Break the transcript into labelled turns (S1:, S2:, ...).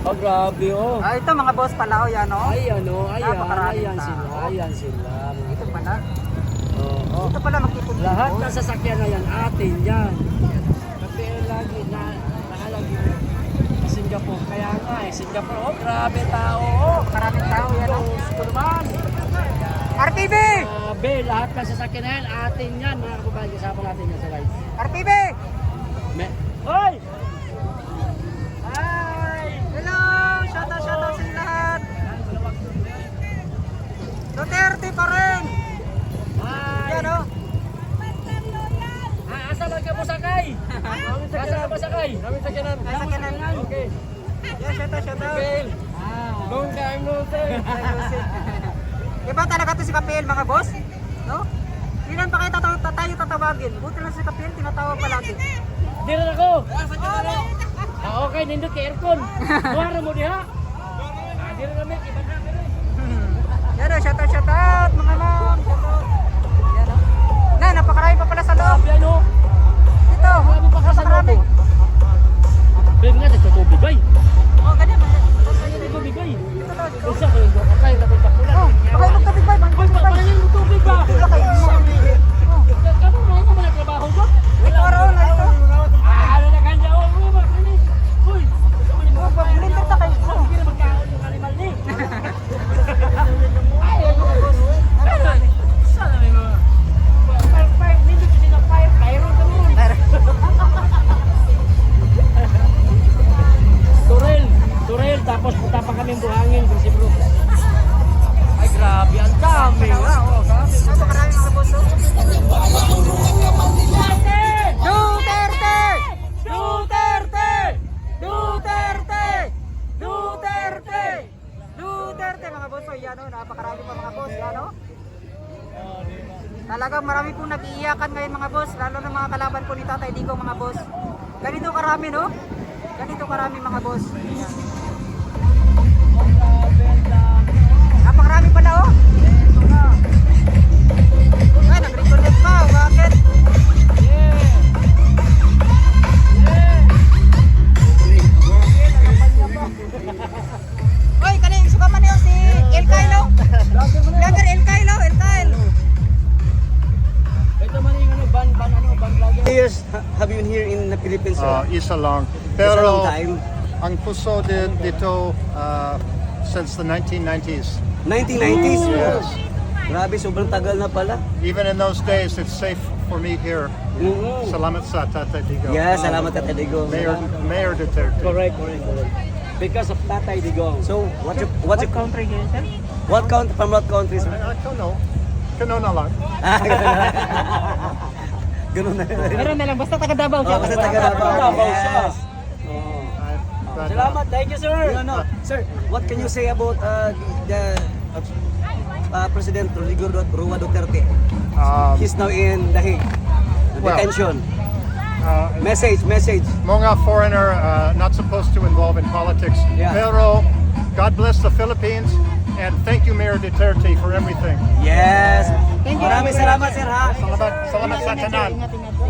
S1: Oh, grabe oh.
S2: Ito mga boss pala, yan o.
S1: Ay, ano,
S2: Napakaraming
S1: ayan
S2: tao.
S1: sila, ayan sila.
S2: Ito pala.
S1: Oo.
S2: Ito pala magtipon.
S1: Lahat ng sasakyan na yan, atin yan. Kasi lagi na nakalagi sa Singapore. Kaya nga eh, Singapore, oh, grabe tao. Oh.
S2: Maraming tao yan o.
S1: Gusto naman.
S2: RTB!
S1: Grabe, lahat ng sasakyan na yan, atin yan. Mga kababayan, kasama natin yan sa guys.
S2: RTB!
S1: Hoy!
S2: Hello! Shoutout sa lahat! Duterte pa rin!
S1: Hi!
S2: Yan o.
S1: Asa lang ka mo sakay? Asa ka mo sakay? Kami sakyanan.
S2: Ay, sakyanan yan.
S1: Okay.
S2: Yan, shoutout.
S1: Long time no see.
S2: Iba talaga to si Kapil, mga boss? No? Ilan pa kayo tayo tatawagin? Buti lang si Kapil, tinatawag palagi.
S1: Di rin ako. Okay, nindot kay aircon. Buhara mo diha. Di rin kami, iba na kami.
S2: Yan o, shoutout, mga ma'am. Shoutout. Yan o. Na, napakarami pa pala sa loob.
S1: Yan o.
S2: Dito,
S1: Marami pa sa
S2: napakarami.
S1: loob. Big nga, sa tubig bay.
S2: Oh, ganyan.
S1: Sa tubig bay.
S2: Dito to, dito.
S1: Isa ko yung kakay, tapos pakulan.
S2: Oh, baka yung tubig ba?
S1: Hoy, parang yung tubig ba?
S2: Wala kayo.
S1: Kamu mo mo nagtrabaho ba?
S2: Ito, araw na ito.
S1: Ano na kanya? Oh, uy, ba? Uy.
S2: Oh, blender ta kayo. Oh.
S1: Hindi na magkaon yung animal ni. Turel, tapos punta pa kami buhangin, si bro. Ay, grabe, ang dami.
S2: Napakarami mga boss. Oh. Duterte! Duterte! Duterte! Duterte! Duterte mga boss. Oh, yan o, napakarami pa mga boss. Yan o. Talagang marami pong nag-iiyakan ngayon mga boss, lalo ng mga kalaban po ni Tatay Digong mga boss. Ganito karami no? Ganito karami mga boss. Yan. Napakarami pala oh. Ay, nag-reconnect pa. Bakit? Oy, kaning suka man yun si El Kylo. Vlogger El Kylo, El Kylo.
S1: Ito man yung ban vlogger.
S3: Years have you been here in the Philippines, sir?
S4: Isa long.
S3: It's a long
S4: Pero
S3: time.
S4: ang puso dito since the 1990s.
S3: 1990s?
S4: Yes.
S3: Grabe, sobrang tagal na pala.
S4: Even in those days, it's safe for me here.
S3: Mm-hmm.
S4: Salamat sa Tatay Digong.
S3: Yeah, salamat Tatay Digong.
S4: Mayor Duterte.
S1: Correct. Because of Tatay Digong.
S3: So, what's your
S2: country here, sir?
S3: what country from what country, sir?
S4: I don't know. Kano na lang.
S3: Ganun na.
S2: Meron na lang, basta taga Davao siya.
S3: Oh, basta taga Davao.
S1: Davao siya.
S3: Yes.
S1: Salamat, thank you, sir.
S3: No. Sir, what can you say about the President Rodrigo Roa Duterte? He's now in the Hague.
S4: Well,
S3: Detention.
S4: Message. Mga foreigner not supposed to involve in politics.
S3: Yeah.
S4: Pero God bless the Philippines and thank you Mayor Duterte for everything.
S3: Yes.
S2: Thank you.
S3: Maraming salamat, sir, ha?
S4: Salamat sa tanan.